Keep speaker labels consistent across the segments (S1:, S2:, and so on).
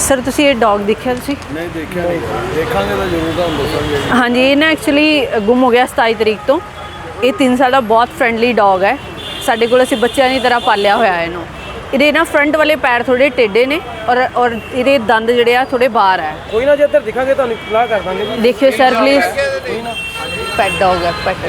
S1: Sir तुसी ये dog देखा तुसी?
S2: नहीं देखा नहीं, देखांगे तो जरूर ਤੁਹਾਨੂੰ ਦੱਸਾਂਗੇ।
S1: हाँ जी, ये ना एक्चुअली गुम हो गया 27 तरीक तो। ये 3 साल का बहुत फ्रेंडली डॉग है। साडे कोल असीं बच्चों की तरह पालिया होया है इहनूं। ਇਹਦੇ ਨਾ ਫਰੰਟ ਵਾਲੇ ਪੈਰ ਥੋੜੇ ਟੇਢੇ ਨੇ ਔਰ ਇਹਦੇ ਦੰਦ ਜਿਹੜੇ ਆ ਥੋੜੇ ਬਾਹਰ ਹੈ।
S2: ਕੋਈ ਨਾ ਜੇ ਇੱਧਰ ਦਿਖਾਂਗੇ ਤੁਹਾਨੂੰ ਇਤਲਾਹ ਕਰ ਦਾਂਗੇ ਜੀ।
S1: ਦੇਖਿਓ ਸਰ ਪਲੀਜ਼, ਪੈਟ ਡੌਗ ਹੈ, ਪੈਟ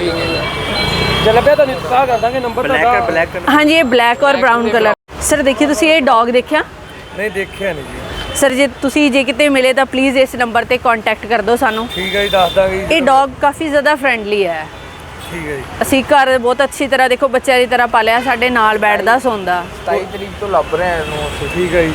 S2: ਜੇ ਲੱਭਿਆ ਤੁਹਾਨੂੰ ਇਤਲਾਹ ਕਰ ਦਾਂਗੇ। ਨੰਬਰ ਤੁਹਾਡਾ ਬਲੈਕ
S1: हाँ जी, ये ब्लैक और ब्राउन कलर। सर देखिए ਤੁਸੀਂ ਇਹ ਡੌਗ ਦੇਖਿਆ?
S2: ਨਹੀਂ ਦੇਖਿਆ ਨਹੀਂ ਜੀ।
S1: ਸਰ ਜੇ ਤੁਸੀਂ ਜੇ ਕਿਤੇ ਮਿਲੇ ਤਾਂ ਪਲੀਜ਼ ਇਸ ਨੰਬਰ ਤੇ ਕੰਟੈਕਟ ਕਰ ਦਿਓ ਸਾਨੂੰ।
S2: ਠੀਕ ਹੈ ਜੀ, ਦੱਸ ਦਾਂਗੇ ਜੀ।
S1: ਇਹ ਡੌਗ ਕਾਫੀ ਜ਼ਿਆਦਾ ਫਰੈਂਡਲੀ ਹੈ।
S2: ਠੀਕ ਹੈ ਜੀ।
S1: ਅਸੀਂ ਘਰ ਬਹੁਤ ਅੱਛੀ ਤਰ੍ਹਾਂ ਦੇਖੋ ਬੱਚਿਆਂ ਦੀ ਤਰ੍ਹਾਂ ਪਾਲਿਆ, ਸਾਡੇ ਨਾਲ ਬੈਠਦਾ ਸੌਂਦਾ।
S3: 27 ਤਰੀਕ ਤੋਂ ਲੱਭ ਰਹੇ ਆ ਇਹਨੂੰ ਅਸੀਂ।
S2: ਠੀਕ ਹੈ ਜੀ।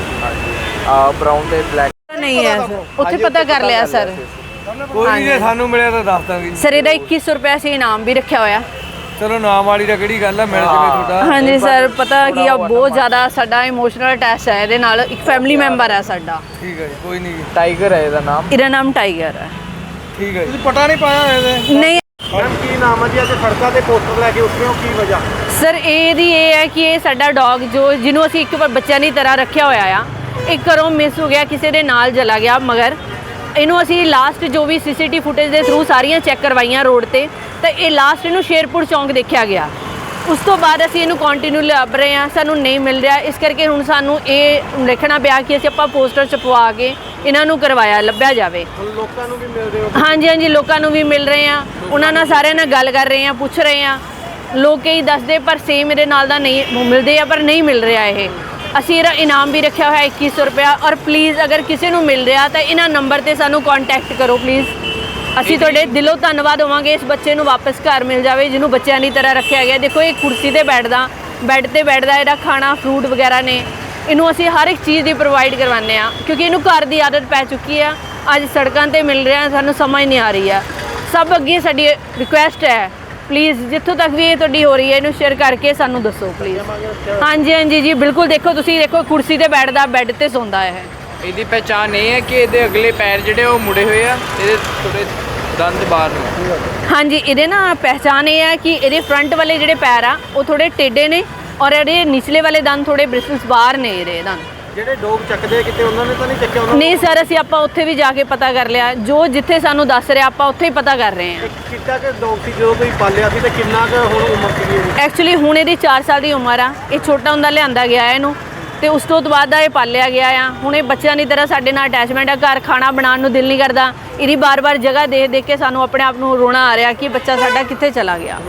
S3: ਆ ਬਰਾਊਨ ਤੇ ਬਲੈਕ
S1: ਨਹੀਂ ਹੈ ਸਰ, ਉੱਥੇ ਪਤਾ ਕਰ ਲਿਆ ਸਰ।
S2: ਕੋਈ ਨਹੀਂ, ਜੇ ਸਾਨੂੰ ਮਿਲਿਆ ਤਾਂ ਦੱਸ ਦਾਂਗੇ।
S1: ਸਰ ਇਹਦਾ 2100 ਰੁਪਏ ਅਸੀਂ ਇਨਾਮ ਵੀ ਰੱਖਿਆ ਹੋਇਆ।
S2: ਚਲੋ ਨਾਮ ਵਾਲੀ ਦਾ ਕਿਹੜੀ ਗੱਲ ਹੈ, ਮਿਲ ਜਵੇ ਤੁਹਾਡਾ।
S1: ਹਾਂਜੀ ਸਰ, ਪਤਾ ਕੀ ਆ ਬਹੁਤ ਜ਼ਿਆਦਾ ਸਾਡਾ ਇਮੋਸ਼ਨਲ ਅਟੈਚ ਹੈ ਇਹਦੇ ਨਾਲ। ਇੱਕ ਫੈਮਿਲੀ ਮੈਂਬਰ ਹੈ ਸਾਡਾ।
S2: ਠੀਕ ਹੈ ਜੀ, ਕੋਈ ਨਹੀਂ ਜੀ।
S3: ਟਾਈਗਰ ਹੈ ਇਹਦਾ ਨਾਮ।
S1: ਇਹਦਾ ਨਾਮ ਟਾਈਗਰ ਹੈ।
S2: ਠੀਕ ਹੈ ਜੀ। ਤੁਸੀਂ ਪਤਾ ਨਹੀਂ ਪਾਇਆ ਇਹਦੇ?
S1: ਨਹੀਂ
S2: ਮੈਮ ਕੀ ਨਾਮ ਹੈ ਜੀ? ਅੱਜ ਸੜਕਾਂ ਤੇ ਪੋਸਟਰ ਲੈ ਕੇ ਉੱਠੇ ਹੋ, ਕੀ ਵਜ੍ਹਾ?
S1: ਸਰ ਇਹਦੀ ਇਹ ਹੈ ਕਿ ਇਹ ਸਾਡਾ ਡੌਗ ਜਿਹਨੂੰ ਅਸੀਂ ਇੱਕ ਵਾਰ ਬੱਚਿਆਂ ਦੀ ਤਰ੍ਹਾਂ ਰੱਖਿਆ ਹੋਇਆ ਆ, ਇਹ ਘਰੋਂ ਮਿਸ ਹੋ ਗਿਆ, ਕਿਸੇ ਦੇ ਨਾਲ ਚਲਾ ਗਿਆ। ਮਗਰ ਇਹਨੂੰ ਅਸੀਂ ਲਾਸਟ ਜੋ ਵੀ ਸੀਸੀਟੀਵੀ ਫੁਟੇਜ ਦੇ ਥਰੂ ਸਾਰੀਆਂ ਚੈੱਕ ਕਰਵਾਈਆਂ ਰੋਡ ਤੇ, ਤਾਂ ਇਹ ਲਾਸਟ ਇਹਨੂੰ ਸ਼ੇਰਪੁਰ ਚੌਂਕ ਦੇਖਿਆ ਗਿਆ। ਉਸ ਤੋਂ ਬਾਅਦ ਅਸੀਂ ਇਹਨੂੰ ਕੰਟੀਨਿਊ ਲੱਭ ਰਹੇ ਹਾਂ, ਸਾਨੂੰ ਨਹੀਂ ਮਿਲ ਰਿਹਾ। ਇਸ ਕਰਕੇ ਹੁਣ ਸਾਨੂੰ ਇਹ ਦੇਖਣਾ ਪਿਆ ਕਿ ਅਸੀਂ ਆਪਾਂ ਪੋਸਟਰ ਛਪਵਾ ਕੇ ਇਹਨਾਂ ਨੂੰ ਕਰਵਾਇਆ, ਲੱਭਿਆ ਜਾਵੇ।
S2: ਲੋਕਾਂ ਨੂੰ ਵੀ ਮਿਲ ਰਹੇ ਹੋ?
S1: ਹਾਂਜੀ ਹਾਂਜੀ, ਲੋਕਾਂ ਨੂੰ ਵੀ ਮਿਲ ਰਹੇ ਆ, ਉਹਨਾਂ ਨਾਲ ਸਾਰਿਆਂ ਨਾਲ ਗੱਲ ਕਰ ਰਹੇ ਆ, ਪੁੱਛ ਰਹੇ ਆ। ਲੋਕ ਕਈ ਦੱਸਦੇ ਪਰ ਸੇਮ ਮੇਰੇ ਨਾਲ ਦਾ ਨਹੀਂ ਮਿਲਦੇ ਆ, ਪਰ ਨਹੀਂ ਮਿਲ ਰਿਹਾ ਇਹ। ਅਸੀਂ ਇਹਦਾ ਇਨਾਮ ਵੀ ਰੱਖਿਆ ਹੋਇਆ 2100 ਰੁਪਇਆ। ਔਰ ਪਲੀਜ਼ ਅਗਰ ਕਿਸੇ ਨੂੰ ਮਿਲ ਰਿਹਾ ਤਾਂ ਇਹਨਾਂ ਨੰਬਰ ਤੇ ਸਾਨੂੰ ਕੰਟੈਕਟ ਕਰੋ ਪਲੀਜ਼। ਅਸੀਂ ਤੁਹਾਡੇ ਦਿਲੋਂ ਧੰਨਵਾਦ ਹੋਵਾਂਗੇ। ਇਸ ਬੱਚੇ ਨੂੰ ਵਾਪਸ ਘਰ ਮਿਲ ਜਾਵੇ ਜਿਹਨੂੰ ਬੱਚਿਆਂ ਦੀ ਤਰ੍ਹਾਂ ਰੱਖਿਆ ਗਿਆ। ਦੇਖੋ ਇਹ ਕੁਰਸੀ ਤੇ ਬੈਠਦਾ, ਬੈੱਡ ਤੇ ਬੈਠਦਾ, ਇਹਦਾ ਖਾਣਾ ਫਰੂਟ ਵਗੈਰਾ ਨੇ, ਇਹਨੂੰ ਅਸੀਂ ਹਰ ਇੱਕ ਚੀਜ਼ ਦੀ ਪ੍ਰੋਵਾਈਡ ਕਰਵਾਉਂਦੇ ਆ ਕਿਉਂਕਿ ਇਹਨੂੰ ਘਰ ਦੀ ਆਦਤ ਪੈ ਚੁੱਕੀ ਆ। ਅੱਜ ਸੜਕਾਂ ਤੇ ਮਿਲ ਰਿਹਾ, ਸਾਨੂੰ ਸਮਝ ਨਹੀਂ ਆ ਰਹੀ ਆ। ਸਭ ਅੱਗੇ ਸਾਡੀ ਰਿਕੁਐਸਟ ਹੈ, ਪਲੀਜ਼ ਜਿੱਥੋਂ ਤੱਕ ਵੀ ਇਹ ਤੁਹਾਡੀ ਹੋ ਰਹੀ ਹੈ ਇਹਨੂੰ ਸ਼ੇਅਰ ਕਰਕੇ ਸਾਨੂੰ ਦੱਸੋ ਪਲੀਜ਼। ਹਾਂਜੀ ਹਾਂਜੀ ਜੀ ਬਿਲਕੁਲ। ਦੇਖੋ ਤੁਸੀਂ ਦੇਖੋ ਕੁਰਸੀ ਤੇ ਬੈਠਦਾ, ਬੈੱਡ ਤੇ ਸੌਂਦਾ ਹੈ।
S3: ਇਹਦੀ ਪਹਿਚਾਣ ਇਹ ਹੈ ਕਿ ਇਹਦੇ ਅਗਲੇ ਪੈਰ ਜਿਹੜੇ ਉਹ ਮੁੜੇ ਹੋਏ ਆ, ਇਹਦੇ ਥੋੜੇ ਦੰਦ ਬਾਹਰ ਨੇ।
S1: ਹਾਂਜੀ, ਇਹਦੇ ਨਾ ਪਹਿਚਾਣ ਇਹ ਹੈ ਕਿ ਇਹਦੇ ਫਰੰਟ ਵਾਲੇ ਜਿਹੜੇ ਪੈਰ ਆ ਉਹ ਥੋੜੇ ਟੇਢੇ ਨੇ ਔਰ ਇਹਦੇ ਨਿਚਲੇ ਵਾਲੇ ਦੰਦ ਥੋੜੇ ਬ੍ਰਿਸਲਸ ਬਾਹਰ ਨੇ ਇਹਦੇ ਦੰਦ।
S2: ਜਿਹੜੇ ਡੌਗ ਚੱਕਦੇ ਕਿਤੇ ਉਹਨਾਂ ਨੇ ਤਾਂ ਨਹੀਂ ਚੱਕਿਆ? ਉਹਨਾਂ
S1: ਨਹੀਂ ਸਰ, ਅਸੀਂ ਆਪਾਂ ਉੱਥੇ ਵੀ ਜਾ ਕੇ ਪਤਾ ਕਰ ਲਿਆ। ਜੋ ਜਿੱਥੇ ਸਾਨੂੰ ਦੱਸ ਰਿਹਾ ਆਪਾਂ ਉੱਥੇ ਹੀ ਪਤਾ ਕਰ ਰਹੇ ਹਾਂ।
S2: ਕਿੱਦਾਂ ਕਿ ਡੌਗ ਸੀ ਜਦੋਂ ਕੋਈ ਪਾਲਿਆ ਸੀ ਤੇ ਕਿੰਨਾ ਕੁ ਹੁਣ ਉਮਰ ਸੀ ਇਹਦੀ?
S1: ਐਕਚੁਅਲੀ ਹੁਣ ਇਹਦੀ 4 ਸਾਲ ਦੀ ਉਮਰ ਆ। ਇਹ ਛੋਟਾ ਹੁੰਦਾ ਲਿਆਂਦਾ ਗਿਆ ਇਹਨੂੰ ਤੇ ਉਸ ਤੋਂ ਬਾਅਦ ਦਾ ਇਹ ਪਾਲਿਆ ਗਿਆ ਆ। ਹੁਣ ਇਹ ਬੱਚਿਆਂ ਦੀ ਤਰ੍ਹਾਂ ਸਾਡੇ ਨਾਲ ਅਟੈਚਮੈਂਟ ਆ। ਘਰ ਖਾਣਾ ਬਣਾਉਣ ਨੂੰ ਦਿਲ ਨਹੀਂ ਕਰਦਾ। ਇਹਦੀ ਬਾਰ-ਬਾਰ ਜਗ੍ਹਾ ਦੇਖ ਕੇ ਸਾਨੂੰ ਆਪਣੇ ਆਪ ਨੂੰ ਰੋਣਾ ਆ ਰਿਹਾ ਕਿ ਬੱਚਾ ਸਾਡਾ ਕਿੱਥੇ ਚਲਾ ਗਿਆ।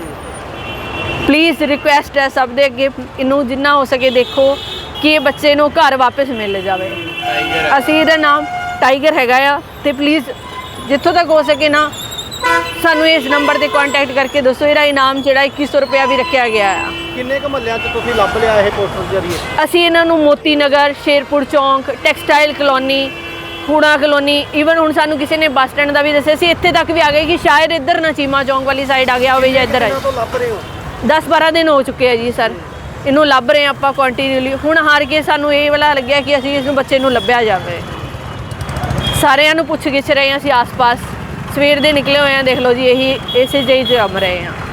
S1: ਪਲੀਜ਼ ਰਿਕੁਐਸਟ ਹੈ ਸਭ ਦੇ ਅੱਗੇ, ਇਹਨੂੰ ਜਿੰਨਾ ਹੋ ਸਕੇ ਦੇਖੋ ਕਿ ਇਹ ਬੱਚੇ ਨੂੰ ਘਰ ਵਾਪਸ ਮਿਲ ਜਾਵੇ। ਅਸੀਂ ਇਹਦਾ ਨਾਮ ਟਾਈਗਰ ਹੈਗਾ ਆ ਤੇ ਪਲੀਜ਼ ਜਿੱਥੋਂ ਤੱਕ ਹੋ ਸਕੇ ਨਾ ਸਾਨੂੰ ਇਸ ਨੰਬਰ ਤੇ ਕੰਟੈਕਟ ਕਰਕੇ ਦੱਸੋ। ਇਹਦਾ ਇਨਾਮ ਜਿਹੜਾ 2100 ਰੁਪਇਆ ਵੀ ਰੱਖਿਆ ਗਿਆ ਆ।
S2: ਕਿੰਨੇ ਕੁ ਮਹੱਲਿਆਂ 'ਚ ਤੁਸੀਂ ਲੱਭ ਲਿਆ ਇਹ ਪੋਸਟਰ ਜਰੀਏ?
S1: ਅਸੀਂ ਇਹਨਾਂ ਨੂੰ ਮੋਤੀ ਨਗਰ, ਸ਼ੇਰਪੁਰ ਚੌਂਕ, ਟੈਕਸਟਾਈਲ ਕਲੋਨੀ, ਹੂੜਾ ਕਲੋਨੀ, ਈਵਨ ਹੁਣ ਸਾਨੂੰ ਕਿਸੇ ਨੇ ਬੱਸ ਸਟੈਂਡ ਦਾ ਵੀ ਦੱਸਿਆ ਸੀ। ਇੱਥੇ ਤੱਕ ਵੀ ਆ ਗਏ ਕਿ ਸ਼ਾਇਦ ਇੱਧਰ ਨਾ ਚੀਮਾ ਚੌਂਕ ਵਾਲੀ ਸਾਈਡ ਆ ਗਿਆ ਹੋਵੇ ਜਾਂ ਇੱਧਰ ਹੈ।
S2: ਤੋਂ ਲੱਭ ਰਹੇ ਹੋ?
S1: 10-12 ਦਿਨ ਹੋ ਚੁੱਕੇ ਆ ਜੀ ਸਰ, ਇਹਨੂੰ ਲੱਭ ਰਹੇ ਆਪਾਂ ਕੰਟੀਨਿਊਲੀ। ਹੁਣ ਹਾਰ ਕੇ ਸਾਨੂੰ ਇਹ ਵਾਲਾ ਲੱਗਿਆ ਕਿ ਅਸੀਂ ਇਸ ਨੂੰ ਬੱਚੇ ਨੂੰ ਲੱਭਿਆ ਜਾਵੇ। ਸਾਰਿਆਂ ਨੂੰ ਪੁੱਛ ਗਿੱਛ ਰਹੇ ਹਾਂ ਅਸੀਂ ਆਸ-ਪਾਸ, ਸਵੇਰ ਦੇ ਨਿਕਲੇ ਹੋਏ ਆ। ਦੇਖ ਲਓ ਜੀ, ਇਹੀ ਇਸੇ ਜਿਹੀ 'ਚ ਰਮ ਰਹੇ ਹਾਂ।